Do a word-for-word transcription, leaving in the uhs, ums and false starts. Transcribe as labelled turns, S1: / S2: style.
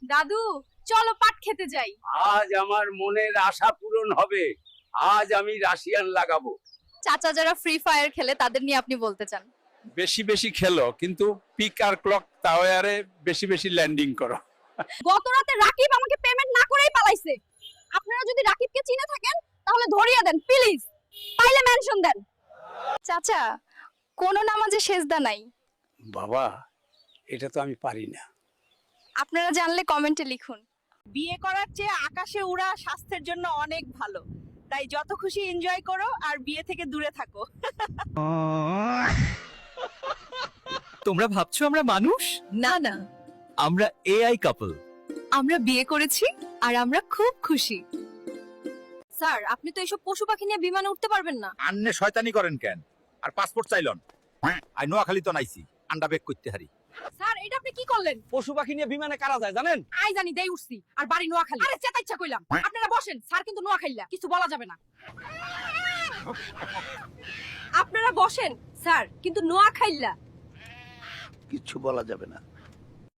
S1: দাদু চলো পাট খেতে যাই।
S2: আজ আমার মনের আশা পূরণ হবে। আজ আমি রাশিয়ান লাগাবো।
S1: চাচা যারা ফ্রি ফায়ার খেলে তাদের নিয়ে আপনি বলতে চান?
S3: বেশি বেশি খেলো, কিন্তু পিক আর ক্লক টাওয়ারে বেশি বেশি ল্যান্ডিং করো।
S1: গত রাতে রাকিব আমাকে পেমেন্ট না করেই পালাইছে। আপনারা যদি রাকিবকে চিনে থাকেন তাহলে ধরিয়ে দেন প্লিজ, পাইলে মেনশন দেন। চাচা কোন নামাজে সেজদা নাই?
S2: বাবা, এটা তো আমি পারি না।
S1: আপনারা জানলে কমেন্টে লিখুন।
S4: বিয়ে করার চেয়ে আকাশে উড়া স্বাস্থ্যের জন্য অনেক ভালো, তাই যত খুশি এনজয় করো আর বিয়ে থেকে দূরে থাকো।
S5: তোমরা ভাবছো আমরা মানুষ?
S1: না না,
S5: আমরা এআই কাপল।
S1: আমরা বিয়ে করেছি আর আমরা খুব খুশি। স্যার আপনি তো এইসব পশু পাখি নিয়ে বিমানে উঠতে পারবেন না।
S6: আন্নে শয়তানি করেন কেন? আর পাসপোর্ট চাইলন? আই নোয়াখালী তো নাইছি, আন্ডা বেক করতে হারি।
S1: স্যার এটা আপনি কি করলেন?
S2: পশু পাখি নিয়ে বিমানে কারা যায় জানেন?
S1: আই জানি দেই উঠছি আর বাড়ি নোয়াখালী। আরে চেতা ইচ্ছা কইলাম। আপনারা বসেন, স্যার কিন্তু নোয়াখালীলা, কিছু বলা যাবে না। আপনারা বসেন স্যার, কিন্তু নোয়াখালীলা।
S6: কিচ্ছু বলা যাবে না।